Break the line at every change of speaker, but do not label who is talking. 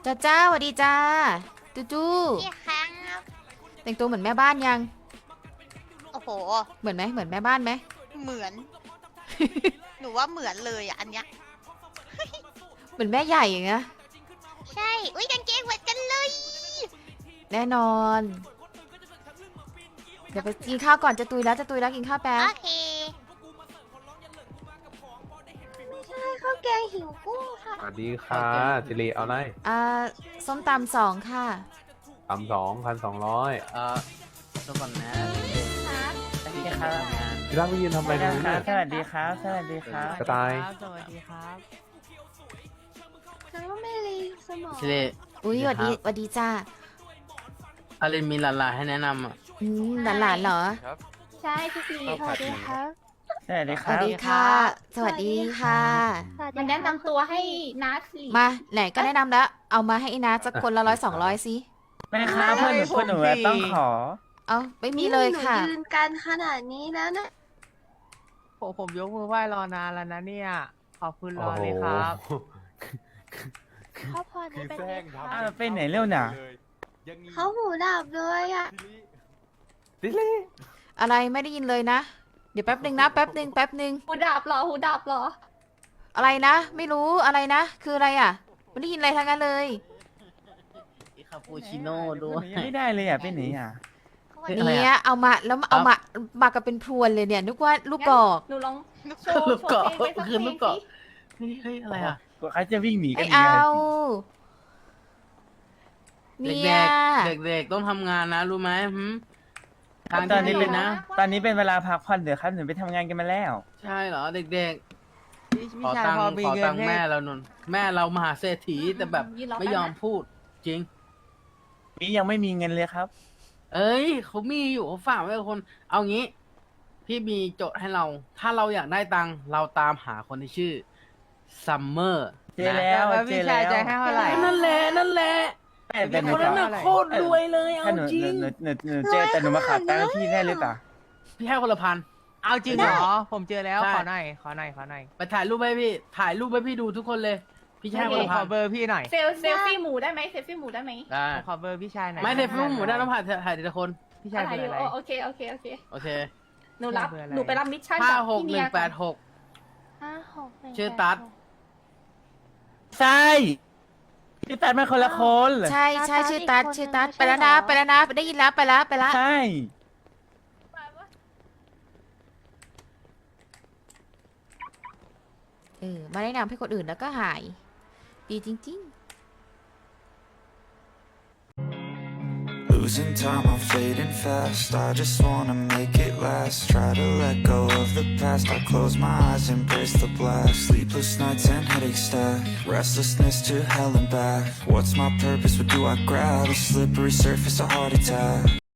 จ้าจ้าสวัสดีจ้าจูจู
พี่ครั้งครับ
แต่งตัวเหมือนแม่บ้านยัง
โอ้โห
เหมือนไหมเหมือนแม่บ้านไหม
เหมือน หนูว่าเหมือนเลยอ่ะอันเนี้ย
เหมือนแม่ใหญ่อย่างเงี้ย
ใช่ อุ้ยกางเกงเหมือนกันเลย
แน่นอนเดี๋ยวไปกินข้าวก่อนจะตุยแล้วกินข้าวแป๊บ
โอเค
ไม่ใช่ข้าวแกงหิวกุ้งค่ะ
สวัสดีค่ะสิริเอาไร
ส้มตำสองค่ะ
2,200
ตัวก่อนนะ
ครับ
สวัสดีครับ
พี่รักไปยืนทำอะไรตรงนี้เนี่ย
สวัสดีครับ สวัสดีครับ
กระต่าย
สวัสดีครับ
น้องไม่รีสมอง
สิริ
อุ้ยสวัสดีจ้า
อารินมีหลานๆให้แนะนำอ่ะ
หลานเหรอ
ใช่พี่ปีสวัสดีครับ
สวัสดี
ส
ครั
วัส
บ
ดีค่ะ สวัสดีค่ะ
มันแนะนำตัวให้นัดสิ
มาไหนก็แนะนำแล้ว เอามาให้อีนาสักคนละ100-200สิ
แม่ครับเพื่อนหนูต้องขอ
เอาไม่มีเลยค่ะ
หนูยืนกันขนาดนี้แล้วนะ
ผมยกมือไหว้รอนานแล้วนะเนี่ย ขอบคุณร
โอ้
อ
โห
เลยครับ
ครอบครัวนี้เป็นไงคะ
ไปไหนเร็วหน่ะ
เขาหูดับเลยอ่ะ
สิริ
อะไรไม่ได้ยินเลยนะ เดี๋ยวแป๊บหนึ่งนะแป๊บหนึ่ง
หูดับเหรอหูดับเหรอ
อะไรนะ ไม่รู้อะไรนะ คืออะไรอ่ะไม่ได้ยินอะไรทั้งนั้นเลย
คาปูชิโน่ด้วย
ไม่ได้เลยอ่ะไปไหนอ่ะ
เนี่ยเอามาแล้วเอามากันเป็นพรวนเลยเนี่ยนึกว่าลูกกอก
หนูลองโช
ลูกเกาะ
ว์เพลงไปสักเพ
คือ
ล
ลู
ง
กเกาะ
สิ
เฮ้ยอะไรอ่ะ
กว่าเขาจะวิ่งหนีกัน
ไม่
ยังไง
เอา
เด็
เนี่ย
กๆเด็กๆต้องทำงานนะรู้ไหมทาง
ตอนนี้
ที่
เป็น
นะ
ตอนนี้เป็นเวลาพักผ่อนเดี๋ยวครับหนูไปทำงานกันมาแล้ว
ใช่เหรอเด็กๆ ขอ
ชาย
ตังค์
พอมี
ขอ
เงิ
ตั
น
งค์
ให้
แม่เรานนแม่เรามหาเศรษฐีแต่แบบ
ยืนรอ
ไม่ยอม
แป๊บนะ
พูดจริง
นี่ยังไม่มีเงินเลยครับ
เอ้ยเขามีอยู่เขาฝากไว้กับคน เอางี้ พี่มีโจทย์ให้เรา ถ้าเราอยากได้ตังค์เราตามหาคนที่ชื่อซัมเมอร์
เจอแล้ว
แล้ว
เจ
พี่
อ
ชา
แล้
ยว จะให้เท่าไหร่
นั่นแหละนั่นแหละ
แต่หนู
คนนั้นน่ะ
เท่าไหร่
โคตรรวยเลยเอา
ถ้าหนู
จริง
เจอแต่หนูมาขาดตังค์พี่ได้หรือเปล่า
พี่ให้คนละพัน
เอาจริงเหรอ ผมเจอแล้ว
ใช่
ขอหน่อย ขอหน่อย ขอหน่อย
ไปถ่ายรูปให้พี่ ถ่ายรูปให้พี่ดูทุกคนเลย พี่จะให้คนละ
ข
พั
อน เบอร์พี่หน่อย
เซลฟี่หมูได้ไหมเซลฟี่หมูได้ไหม
ได้
ขอเบอร์พี่ชายหน่อย
ไม่เทปรูปหมูได้ต้องถ่ายทีละคน
พี่ชาย
อะไร
เบอ
อ
ร์
ยู่
อะไร
โอเคโอเคโอเค
โอเค
หนูรับ
เบอร์อะไร
หนูไปรับมิชชั่น
ห้า
กับ
หก
พี่
ห
เนี
นึ่
ย
งแปดหก
56
ชื่อตั๊ด
ใช่พี่ตัดมาคนละคน
ใช่ใช่ชื่อตัดไปแล้วนะได้ยินแล้วไปแล้ว
ใช่
มาแนะนำให้คนอื่นแล้วก็หาย ดีจริง
Losing time, I'm fading fast. I just wanna make it last. Try to let go of the past. I close my eyes, embrace the blast. Sleepless nights and headaches stack. Restlessness to hell and back. What's my purpose? What do I grab? A slippery surface, a heart attack.